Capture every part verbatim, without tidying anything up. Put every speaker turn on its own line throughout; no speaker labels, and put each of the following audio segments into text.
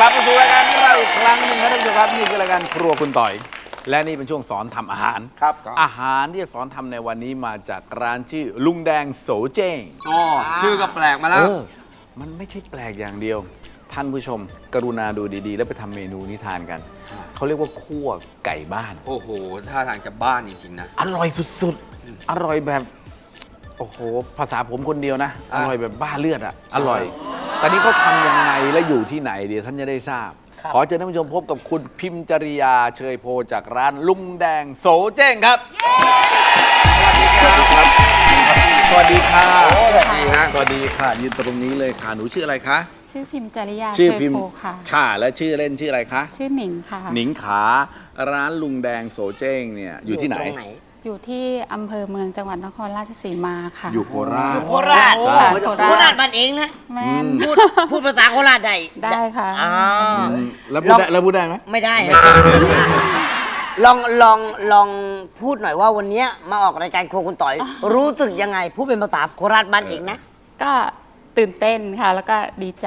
ลับมาสู่รายการของเราอีกครั้งหนึ่งครับท่านผู้ชมครับนี่คือรายการครัวคุณต่อย และนี่เป็นช่วงสอนทำอาหารครับอาหารที่จะสอนทำในวันนี้มาจากร้านชื่อลุงแดงโสเจ้ง
อ๋อชื่อก็แปลกมาแล้ว
มันไม่ใช่แปลกอย่างเดียวท่านผู้ชมกรุณาดูดีๆ แล้วไปทำเมนูนี้ทานกันเขาเรียกว่าคั่วไก่บ้าน
โอ้โหท่าทางจะบ้านจริงๆนะ
อร่อยสุดๆอร่อยแบบโอ้โหภาษาผมคนเดียวนะอร่อยแบบบ้าเลือดอ่ะอร่อยตอนนี้เขาทำยังไงและอยู่ที่ไหนเดี๋ยวท่านจะได้ทราบขอเชิญท่านผู้ชมพบกับคุณพิมพ์จริยาเชยโพจากร้านลุงแดงโสเจ้งครับสวัสดีค่ะสวัสดีค่ะสวัสดีค่ะยืนตรงนี้เลยค่ะหนูชื่ออะไรคะ
ชื่อพิมพ์จริยา
ชื่อพิมพ์
โพค่ะ
ค่ะและชื่อเล่นชื่ออะไรคะ
ชื่อหนิงค่ะ
หนิงขาร้านลุงแดงโสเจ้งเนี่ยอยู่ที่ไหน
อยู่ที่อำเภอเมืองจังหวัดนครราชสีมาค่ะ
อยู่โคราช
โคราชโคราชบ้านเองนะ
แม่
พูดพูดภาษาโคราชได้
ได้ค่ะ
แล้วพูดได้แล้วพูดได้ไหม
ไม่ได้ลองลองลองพูดหน่อยว่าวันนี้มาออกรายการครัวคุณต่อยรู้สึกยังไงพูดเป็นภาษาโคราชบ้านเองนะ
ก็ตื่นเต้นค่ะแล้วก็ดีใจ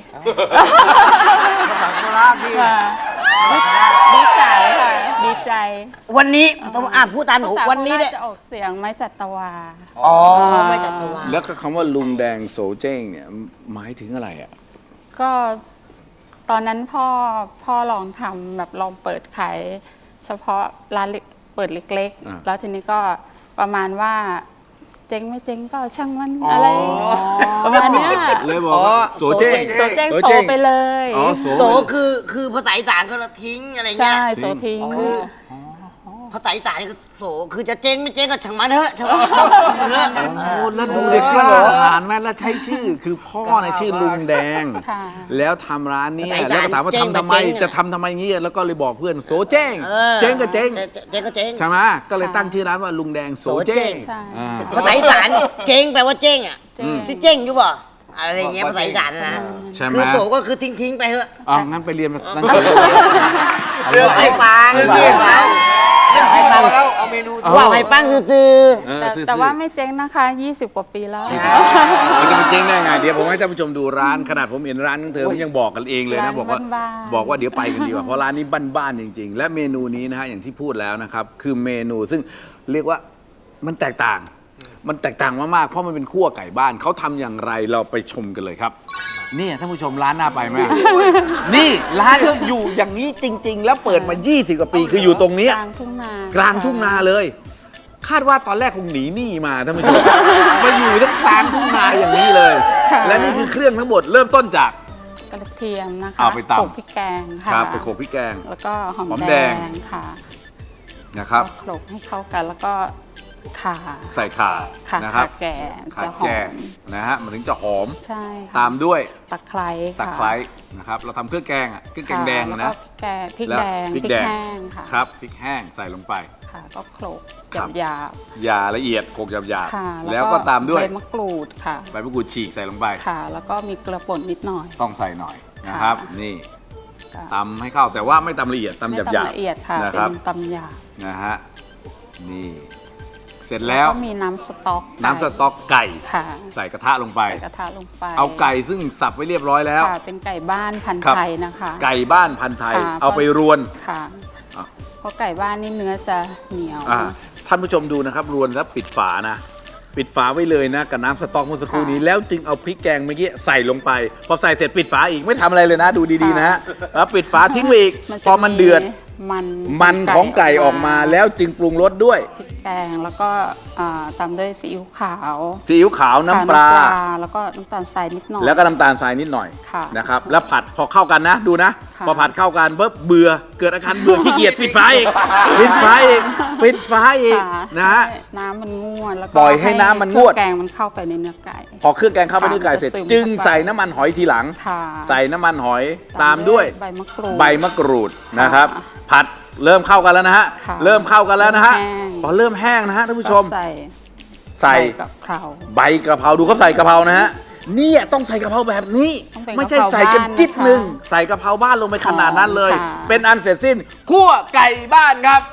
ภาษาโคราชพี่
ดีใจค่ะดีใจ
วันนี้ต้องอ่านพูดตามหนูวันนี้
เนี่ยจะออกเสียงไม้จัตวา
อ๋อไม้จัตวา
แล้วคำว่าลุงแดงโสเจ้งเนี่ยหมายถึงอะไรอ่ะ
ก็ตอนนั้นพ่อพ่อลองทำแบบลองเปิดขายเฉพาะร้านเปิดเล็กๆแล้วทีนี้ก็ประมาณว่าเจ๊งไม่เจ๊งก็ช่างมันอะไรประมาณนี้
เลยบอกว่าโสเจ้ง
โสเจ้งโสไปเลย
โสคือคือภาษาอีสานเขาทิ้งอะไรเงี้ย
ใช่โสทิ้ง
คือภาษาอีสานนี่ก็โสคือจะเจ๊งไม่เจ๊งก็ช่างมันเถอะช่างมันเถอะ
แล้วดูเด็กกล้าหาญไหมแล้วใช้ชื่อคือพ่อในชื่อลุงแดงแล้วทำร้านนี้แล้วก็ถามว่าทำทำไมจะทำทำไมงี้แล้วก็เลยบอกเพื่อนโสเจ้งเจ๊งก็เจ๊ง
เจ๊งก็เจ๊ง
ใช่ไหมก็เลยตั้งชื่อร้านว่าลุงแดงโสเจ้ง
ภาษาอีสานเจ๊งแปลว่าเจ๊งอ่ะที่เจ๊งอยู่ป่ะอะไรเงี้ยภาษาอีสานนะคือโสก็คือทิ้งทิ้งไปเถอะ
อ๋องั้นไปเรียนนั่น
เรื่องไอ้ฟังเรื่องไอ้ฟังไอ้ปังแล้วเอาเมนูว่าไอ้ปังคือ
แต่ว่าไม่เจ๊งนะคะยี่สิบกว่าปีแล้ว
มันจะเจ๊งได้ไงเดี๋ยวผมให้ท่านผู้ชมดูร้านขนาดผมเห็นร้านของเธอยังบอกกันเองเลยนะบอกว่าบอกว่าเดี๋ยวไปกันดีกว่าเพราะร้านนี้บ้านๆจริงๆและเมนูนี้นะฮะอย่างที่พูดแล้วนะครับคือเมนูซึ่งเรียกว่ามันแตกต่างมันแตกต่างมากๆเพราะมันเป็นคั่วไก่บ้านเขาทำอย่างไรเราไปชมกันเลยครับนี่ท่านผู้ชมร้านน่าไปไหมนี่ร้านเขาอยู่อย่างนี้จริงๆแล้วเปิดมายี่สิบกว่าปีคืออยู่ตรงนี้
กลางทุ่งนาก
ลางทุ่งนาเลยคาดว่าตอนแรกคงหนีหนี้มาท่านผู้ชมมาอยู่ทั้งกลางทุ่งนาอย่างนี้เลยและนี่คือเครื่องทั้งหมดเริ่มต้นจาก
กระเทียมนะคะ
เอาไปตำ
โขลกพริกแกงค่ะ
ครับไปโขลกพริกแกง
แล้วก็หอมแดงค่ะ
นะครับ
โขลกให้เข้ากันแล้วก็ข่า
ใส่ข่า
นะครับแก่
จะหอมนะฮะมันถึงจะหอม
ใช่
ตามด้วย
ตะไคร้
ตะไคร้นะครับเราทำเครื่องแกงอ่ะเครื่องแกงแดงนะ
แกงพริกแดง
พริกแห้งค่ะ
ครับ
พริกแห้งใส่ลงไป
ค่ะก็โขลกหยาบหยาบ
หยาละเอียดโขลกหยาบหยาบแล้วก็ตามด้วย
ใบมะกรูดค่ะ
ใบมะกรูดฉีกใส่ลงไป
ค่ะแล้วก็มีเกลือป่นนิดหน่อย
ต้องใส่หน่อยนะครับนี่ตำให้เข้าแต่ว่าไม่ตำละเอียดตำหยาบหยาบ
ละเอียดค่ะเป็นตำหยาบ
นะฮะนี่เสร็จแล้ว
ก็มีน้ำสต๊อก
น้ำสต๊อกไก่ใส่กระทะลงไป
ใส่กระทะลงไป
เอาไก่ซึ่งสับไว้เรียบร้อยแล้ว
เป็นไก่บ้านพันธุ์ไทยนะคะ
ไก่บ้านพันธุ์ไทยเอาไปรวน
ค่ะเพราะไก่บ้านนี่เนื้อจะเหนียว
ท่านผู้ชมดูนะครับรวนแล้วปิดฝานะปิดฝาไว้เลยนะกับน้ำสต๊อกเมื่อสักครู่นี้แล้วจึงเอาพริกแกงเมื่อกี้ใส่ลงไปพอใส่เสร็จปิดฝาอีกไม่ทำอะไรเลยนะดูดีๆนะฮะแล้วปิดฝาทิ้งไว้อีกพอมันเดือด
มัน
มันของไก่ออกมาแล้วจึงปรุงรสด้วย
พริกแกงแล้วก็ตามด้วยซีอิ๊วขาว
ซีอิ๊วขาวน้ำปลา
แล้วก็น้ำตาลทรายนิดหน่อย
แล้วก็น้ำตาลทรายนิดหน่อยนะครับแล้วผัดพอเข้ากันนะดูนะพอผัดเข้ากันปุ๊บเบื่อเกิดอาการเบื่อขี้เกียจปิดฝาอีกปิดฝาอีกปิดฝาอีกนะฮะ
น้ำมันงวดแล้วก็
ปล่อยให้น้ำมันงวด
แกงมันเข้าไปในเนื้อไก่
พอเครื่องแกงเข้าไปในเนื้อไก่เสร็จจึงใส่น้ำมันหอยทีหลังใส่น้ำมันหอยตามด้วย
ใบมะกรูด
ใบมะกรูดนะครับผัดเริ่มเข้ากันแล้วนะฮะเริ่มเข้ากันแล้วนะฮะพอเริ่มแห้งนะฮะท่านผู้ชม
ใส่
ใส่
กะเพรา
ใบกระเพราดูเขาใส่กระเพรานะฮะนี่ต้องใส่กระเพราแบบนี้ไม่ใช่ใส่กันจิ๊ดหนึ่งใส่กระเพราบ้านลงไปขนาดนั้นเลยเป็นอันเสร็จสิ้นคั่วไก่บ้านครับ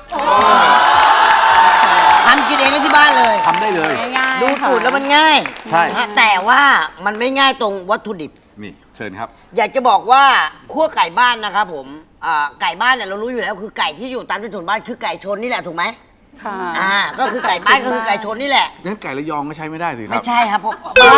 ทำกินเองได้ที่บ้านเลย
ทำได้เลย
ดูสูตรแล้วมันง่าย
ใช่
แต่ว่ามันไม่ง่ายตรงวัตถุดิบ
นี่เชิญครับ
อยากจะบอกว่าคั่วไก่บ้านนะครับผมอ่าไก่บ้านเนี่ยเรารู้อยู่แล้วคือไก่ที่อยู่ตามที่ถุนบ้านคือไก่ชนนี่แหละถูกไหม
ค่ะ
อ่าก็คือไก่บ้านก็คือไก่ชนนี่แหละ
งั้นไก่ระยองก็ใช้ไม่ได้สิครั
ไม่
บ
ใช่ครับผม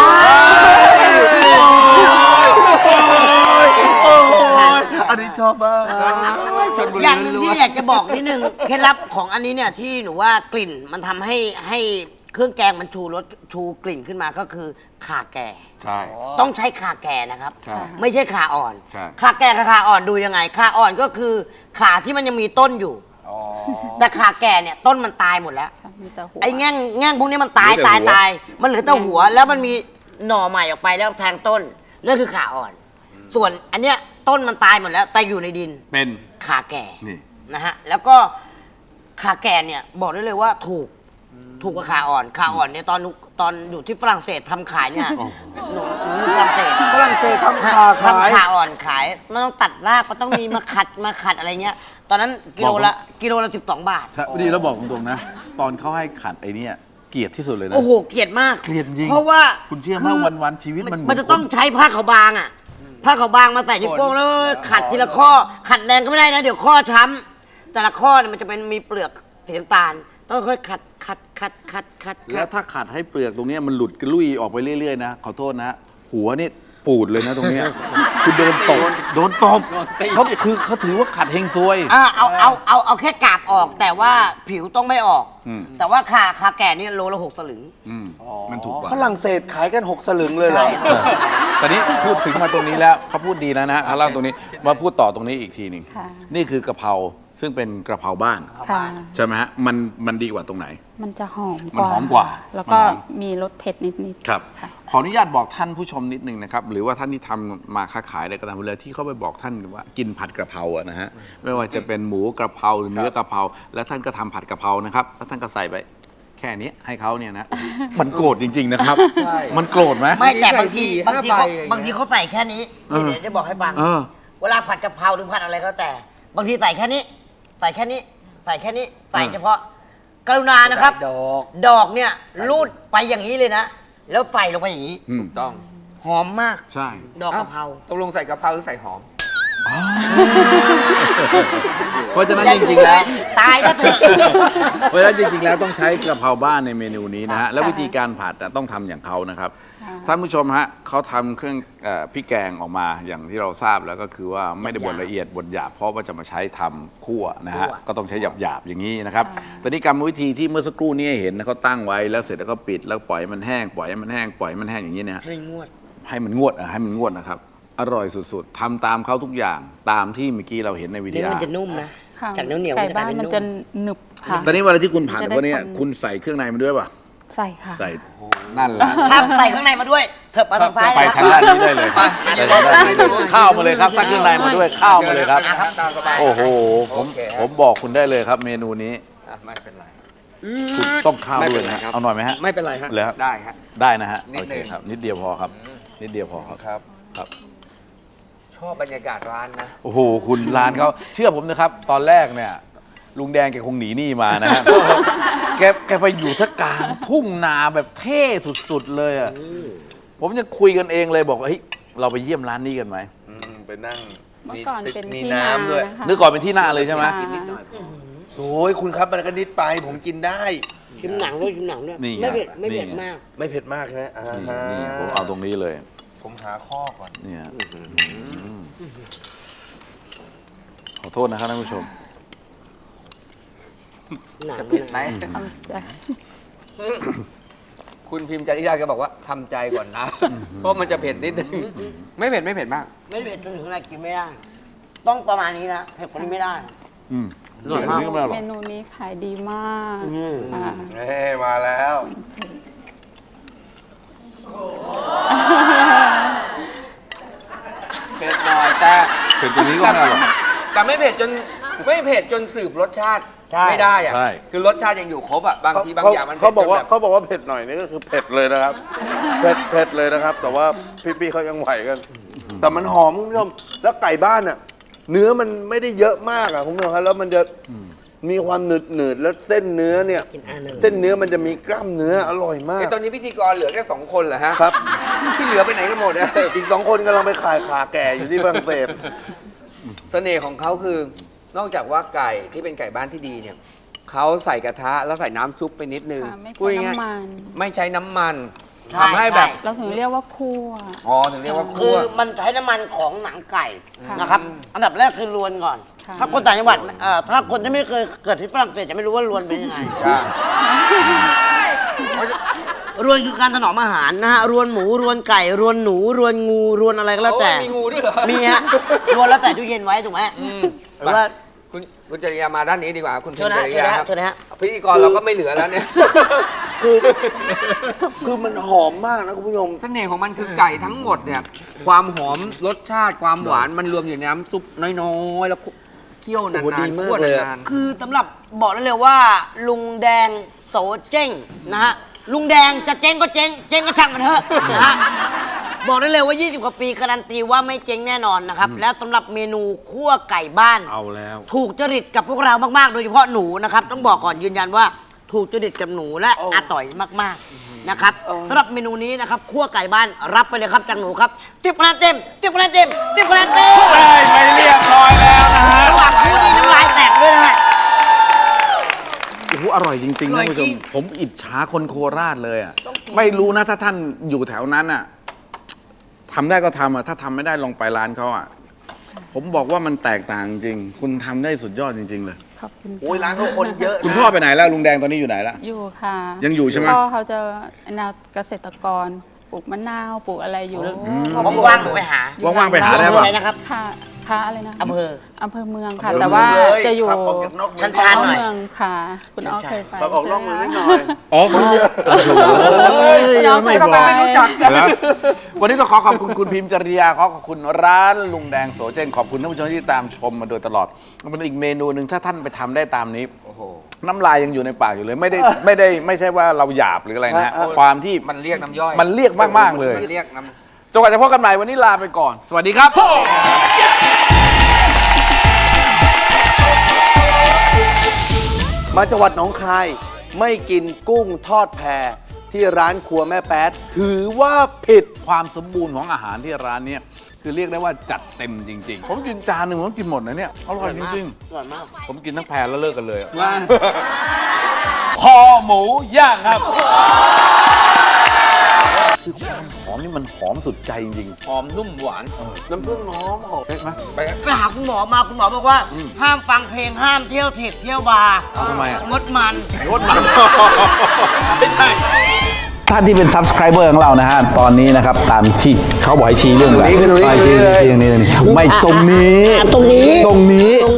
อันนี้ชอบมากชนบุรี
อย่างหนึ่งที่อยากจะบอกนิดนึงเคล็ดลับของอันนี้เนี่ยที่หนูว่ากลิ่นมันทำให้ให้เครื่องแกงมันชูรสชูกลิ่นขึ้นมาก็คือข่าแก่
ใช่
ต้องใช้ข่าแก่นะครับ
ใช่
ไม่ใช่ข่าอ่อน
ใช่
ข่าแก่กับข่าอ่อนดูยังไงข่าอ่อนก็คือข่าที่มันยังมีต้นอยู่ แต่ข่าแก่เนี่ยต้นมันตายหมดแล้ว
มีแต่หัว
ไอ้แง่งแง่งพวกนี้มันตายตายตายมันเหลือแต่หัวแล้วมันมีหน่อใหม่ออกไปแล้วแทงต้นนั่นคือข่าอ่อน ส่วนอันเนี้ยต้นมันตายหมดแล้ว แต่อยู่ในดิน
เป็น
ข่าแก่
นี่
นะฮะแล้วก็ข่าแก่เนี่ยบอกได้เลยว่าถูกถูกกว่าข่าอ่อนข่าอ่อนเนี่ยตอนหนูตอนอยู่ที่ฝรั่งเศสทำขายเนี่ยหนูหนูอยู่ฝรั่งเศส
ฝรั่งเศสทำข่าขาย
ทำข่าอ่อนขายมันต้องตัดรากมันต้องมีมาขัดมาขัดอะไรเงี้ย ตอนนั้นกิโลละกิโลละสิบสองบาท
ใช่ดีแล้วบอกตรงๆนะ ตอนเขาให้ขัดไอ้เนี่ยเกลียดที่สุดเลยนะ
โอ้โหเกลียดมาก
เกลียดจริง
เพราะว่า
คุณเชื่อไหมวันๆชีวิตมันเหมือน
มันจะต้องใช้ผ้าขาวบางอ่ะผ้าขาวบางมาใส่ที่โป้งแล้วขัดทีละข้อ ขัดแรงก็ไม่ได้นะเดี๋ยวข้อช้ำแต่ละข้อเนี่ยมันจะเป็นมีเปลือกสีน้ำตาลต้องค่อยๆขัดขัดขัดขัดขัด
แล้วถ้าขัดให้เปลือกตรงเนี้ยมันหลุดกระลุยออกไปเรื่อยๆนะขอโทษนะ หัวนี่ปูดเลยนะตรงเนี้ยคือโดนตบโดนตบเขาคือเขาถือว่าขัดเฮงซวย
อ่าเอาเอาเอาเอาแค่กาบออก แต่ว่าผิวต้องไม่ออก
อืม
แต่ว่าคาคาแก่นี่โลละหกสลึง
อืมมันถูกกว่า
ฝรั่งเศสขายกันหกสลึงเลยเหรอ
ใช่
ตอนนี้พูดถึงมาตรงนี้แล้วเขาพูดดีแล้วนะฮะเอาเล่าตรงนี้มาพูดต่อตรงนี้อีกทีหนึ่ง
ค่ะ
นี่คือกะเพราซึ่งเป็นกระเพราบ้าน
ค่ะ
ใช่ไหมฮะมันมันดีกว่าตรงไหน
มันจะหอม
มันหอมกว่า
แล้วก็
มันหอม
มีรสเผ็ดนิดๆ
ครับ
ค่ะ
ขออนุญาตบอกท่านผู้ชมนิดนึงนะครับ หรือว่าท่านที่ทำมาค้าขายอะไรก็ตามเวลาที่เขาไปบอกท่านว่ากินผัดกระเพราอะนะฮะไม่ว่าจะเป็นหมูกระเพราหรือเนื้อกระเพราแล้วท่านก็ทำผัดกระเพรานะครับแล้วท่านก็ใส่ไปแค่นี้ให้เขาเนี่ยนะ มันโกรธจริง ๆ นะครับ มันโกรธไหม
ไม่แต่บางที
สี่
บางที
ห้า
เขา
ใบอย่างเงี้ย
บางทีเขาใส่แค่นี้
เออ
เดี๋ยวจะบอกให้ฟัง
เออ
เวลาผัดกะเพราหรือผัดอะไรก็แต่ บางทีใส่แค่นี้ ใส่แค่นี้ ใส่แค่นี้ ใส่เฉพาะ กรุณานะครับ
ดอก
ดอกเนี่ยรูดไปอย่างนี้เลยนะ แล้วใส่ลงไปอย่างนี้
อืม
ต้อง
หอมมาก
ใช่
ดอกกะเพรา
ตกลงใส่กะเพราหรือใส่หอม
เพราะฉะนั้นจริงๆแล้ว
ตายก็เถอะ
เพราะฉะนั้นจริงๆแล้วต้องใช้กระเพราบ้านในเมนูนี้นะฮะแล้ววิธีการผัดอะต้องทำอย่างเขานะครับท่านผู้ชมฮะเขาทำเครื่องเอ่อพริกแกงออกมาอย่างที่เราทราบแล้วก็คือว่าไม่ได้บดละเอียดบดหยาบเพราะว่าจะมาใช้ทำคั่วนะฮะ
คั่ว
ก็ต้องใช้หยาบๆอย่างนี้นะครับแต่นี่กรรมวิธีที่เมื่อสักครู่นี้เห็นนะเขาตั้งไว้แล้วเสร็จแล้วก็ปิดแล้วปล่อยมันแห้งปล่อยให้มันแห้งปล่อยให้มันแห้งอย่างนี้เนี่ย
ให้งวด
ให้มันงวดอะให้มันงวดนะครับอร่อยสุดๆทำตามเขาทุกอย่างตามที่เมื่อกี้เราเห็นในวิดี
เนื้อ
โอ
มันจะนุ่มนะ
ค่ะ
จากเหนียวๆ
ไก่
มันจะกลา
บ้าย น
เป็น
มัน
นุ่
จะ
ม
หนึบค่ะ
ตอนนี้เวลาที่คุณผัด
จะได้
พวกเนี้ย
ความ
คุณใส่เครื่องในมันด้วยป่ะ
ใส่ค่ะ
ใส่นั่นแหละ
ถ้าใส่ข้างในมาด้วย เถิบมาทางซ้าย
ไป
นะ
ทางด้านนี้ได้เลยครับไปทางด้านนี้ได้เลยข้าวมาเลยครับซักเครื่องในมาด้วยข้าวมาเลยครับ
ตามสบาย
โอ้โหผม
โอเคครับ
ผมบอกคุณได้เลยครับ เมนูนี้
อ่ะไม่เป็นไร
คุณต้องข้าว
ไม่
ด้
เป็
วย
นไร
นะ
ครับ
เอาหน่อยไหมฮะ
ไม่เป็นไรฮะ
เลยครับ
ได้ฮะ
ได้นะฮะ
นิด
โอ
หนึ่
เค
ง
ครับ นิดเดียวพอครับ นิดเดียวพอครับ
ครับ
ครับ
ชอบบรรยากาศร้านนะ
โอ้โหคุณร้านเขาเชื่อผมนะครับ ตอนแรกเนี่ยลุงแดงแกคงหนีหนี้มานะฮะ แกแกไปอยู่ท่ากลางทุ่งนาแบบเท่สุดๆเลยอ่ะผมจะคุยกันเองเลยบอกว่าเฮ้ยเราไปเยี่ยมร้านนี้กันไหม
อืมไปนั่ง
เมื่อก่อนเป็น
มี
ที่
น้ำด้วย
นะคะ
นึกก่อนเป็นที่หน้าเลยใช่ไหม
ค่ะ
โอ้ยคุณครับมันก็นิดไปผมกินได้
ชิมหนังด้วยชิมหนังด้วย
นี่ไง
ไม่เผ็ดไม่เผ็ด
นี่ไง
มาก
ไม่เผ็ดมากใช่ไหมอ่า
นี่
ฮะ
นี่ผมเอาตรงนี้เลย
ผมหาข้อก่อน
เนี่ยขอโทษนะครับท่านผู้ชม
หนัง
จะเผ็ดไหม
จะ
คุณพิมพ์จริยาแกบอกว่าทำใจก่อนนะ เพราะมันจะเผ็ดนิดนึง ไม่เผ็ดไม่เผ็ดมาก
ไม่เผ็ดจนถึงขนาดกินไม่ได้ ต้องประมาณนี้นะเผ็ดกว่านี้ไม่ได้
อืม
อร่อยมาก
นี่ก็ไม่อร่
เม
อย
นูนี้ขายดีมาก
อืม
ค่ะ
เอ้มาแล้ว
เผ็ดหน่อยแต่
เผ็ดตรงนี้ก็ไม่อร่อย
แต่ไม่เผ็ดจนไม่เผ็ดจนสืบรสชาติ
ใช่
ไม่ได้อะ
ใช่
คือรสชาติยังอยู่ครบอะบางทีบางอย่างมัน
เขาบอกว่า
ผ็ดจนแบบ
เขาบอกว่าเผ็ดหน่อยนี่ก็คือเผ็ดเลยนะครับ เผ็ดเผ็ดเลยนะครับ แต่ว่าพี่ๆเขายังไหวกัน แต่มันหอมคุณผู้ชมแล้วไก่บ้านอ่ะ เนื้อมันไม่ได้เยอะมากอ่ะคุณผู้ชมครับแล้วมันจะมีความหนืดหนืดๆแล้วเส้นเนื้อเนี่ย
กินอันหนึ่ง
เส้นเนื้อมันจะมีกล้ามเนื้ออร่อยมาก
ไอ้ตอนนี้พิธีกรเหลือแค่สองคนเหรอฮะ
ครับ
ที่เหลือไปไหนกันหมดอะ
อีกสองคนกำลังไปขายขาแก่อยู่ที่ฝรั่งเศส
เสน่ห์ของเขาคือนอกจากว่าไก่ที่เป็นไก่บ้านที่ดีเนี่ยเขาใส่กระทะแล้วใส่น้ำซุปไปนิดนึง
ค่ะไม่
พูด
ใช้
ง่าย
น้ำมัน
ๆไม่ใช้น้ำมัน
ใช่
ทำให้แบบ
ใช่
เราถึงเรียกว่าคั่ว
อ๋อถึงเรียกว่า
คื
คั่
อ
ว
มันใช้น้ำมันของหนังไก่
ค่ะ
นะครับ อันดับแรกคือรวนก่อน
ค่ะ
ถ้าคนต่างจังหวัดเอ่อถ้าคนที่ไม่เคยเกิดที่ฝรั่งเศสจะไม่รู้ว่ารวนเป็นยังไง
ใช่
รวนคือการถนอมอาหารนะฮะ รวนหมู รวนไก่ รวนหนู รวนงู รวนอะไรก็แล้วแต่
โอ้ยมีงูด้วยเหรอ
มีฮะ รวนแล้วแต่ตู้เย็นไว้ถูกไหม
อืม
หรือว่า
คุณคุณจริยามาด้านนี้ดีกว่า คุณ
เชิญนะ
จริยาครับ
เชิญนะฮะ
พิธีกรเราก็ไม่เหลือแล้วเนี่ย
คือคือมันหอมมากนะคุณผู้ชม
เสน่ห์ของมันคือไก่ทั้งหมดเนี่ยความหอมรสชาติความหวานมันรวมอยู่ในน้ำซุปน้อยๆแล้วเคี่ยวนาน
โอ้โหดี
ๆ
มาก
คั่ว
เลยอะ
นาน
คือสำหรับบอกได้เลยว่า ลุงแดงโสเจ้งนะฮะ ลุงแดงจะเจ๊งก็เจ๊ง เจ๊งก็ช่างมันเถอะนะฮะ บอกได้เลยว่า ยี่สิบ กว่าปีการันตีว่าไม่เจ๊งแน่นอนนะครับ แล้วสำหรับเมนูคั่วไก่บ้าน
เอาแล้ว
ถูกจริตกับพวกเรามาก ๆ โดยเฉพาะหนูนะครับ ต้องบอกก่อนยืนยันว่าถูกจริตกับหนูและอาต่อยมาก ๆ นะครับสำหรับเมนูนี้นะครับคั่วไก่บ้านรับไปเลยครับจากหนูครับติ๊บคะแนนเต็มติ๊บคะแนนเต็มติ๊บคะแนนเต็ม
ได้ไปเรียบร้อยแล้วนะฮะ
ระหว่างคู่นี้น้ำลายแตกด้วยนะฮะ
โอ้โหอร่อยจริงๆ
อร่
ท่า
อย
นผู้ช
จริ
ม
ง
ผมอิจฉาคนโคราชเลยอ่ะไม่รู้นะถ้าท่านอยู่แถวนั้นอ่ะทำได้ก็ทำอ่ะถ้าทำไม่ได้ลองไปร้านเขาอ่ะผมบอกว่ามันแตกต่างจริง คุณทำได้สุดยอดจริง ๆ เลย
ขอบคุณ
โอ้ยร้านเขาคนเยอะ
คุณ
นะ
พ่อไปไหนแล้วลุงแดงตอนนี้อยู่ไหนแล้ว
อยู่ค่ะ
ยังอยู่ใช่ไหม
พ่อเขาจะแนวเกษตรกรปลูกมะนาวปลูกอะไรอยู่แล้ว
ว่างๆผมไปหา
อยู่
ว่างๆไปหาได้
อำเภอ
ป่ะ
อะไรนะครับ
ค่ะค่ะอะไรนะ
อำเภอ
อำเภอเมืองค่ะ
อำเภอ
แต่ว่า
เมืองเลย
จะอยู่
ขับออกจากนอกเมือง
ชันๆหน่อย
เมืองค่ะ คุณอ้อเคยไป
ขับออกนอกเมืองนิดหน่อย
อ๋อคุณโอ้โหไม่บอก
ไม่รู้จัก
แล้ววันนี้ต้องขอขอบคุณคุณพิมพ์จริยาขอขอบคุณร้านลุงแดงโสเจนขอบคุณท่านผู้ชมที่ตามชมมาโดยตลอดมันเป็นอีกเมนูหนึ่งถ้าท่านไปทำได้ตามนี้
โอ้โห
น้ำลายยังอยู่ในปากอยู่เลย ไม่ได้ไม่ได้ไม่ใช่ว่าเราหยาบหรืออะไรนะฮะ
เออ
ความที่
มันเรียกน้ำย่อย
มันเรียกมากๆเลย
มันเรียกน้
จนกว่าจะพบกันใหม่วันนี้ลาไปก่อน สวัสดีครับ
มาจังหวัดหนองคายไม่กินกุ้งทอดแพที่ร้านครัวแม่แป๊ดถือว่าผิด
ความสมบูรณ์ของอาหารที่ร้านเนี้ยคือเรียกได้ว่าจัดเต็มจริง ๆ ผมกินจานหนึ่งผมกินหมดนะเนี่ยอร่อยจริง
อร่อยมาก
ๆ ผมกินทั้งแพรแล้วเลิกกันเลยอะ
ำว่า
คอหมูย่างครับ คือความหอมนี่มันหอมสุดใจจริง
หอมนุ่มหวาน
น้ำผึ้งหอมหอม
ๆเห็นไหม
ไป
ไปหาคุณหมอมาคุณหมอบอกว่า ห้ามฟังเพลงห้ามเที่ยวเทคเที่ยวบาร์
ทำไมอะ
งดมัน
รสมันไม่ใช่ท่านที่เป็น subscriber ของเรานะฮะ ตอนนี้นะครับ ตามที่เขาบอกให้ชี้เรื่องอะไร
ตรงนี้คือตรงนี้
ชี้ชี้ชี้ตรงนี้ตรงนี้ไม่ตรงนี้
อ่ะตรงนี้
ตรงนี้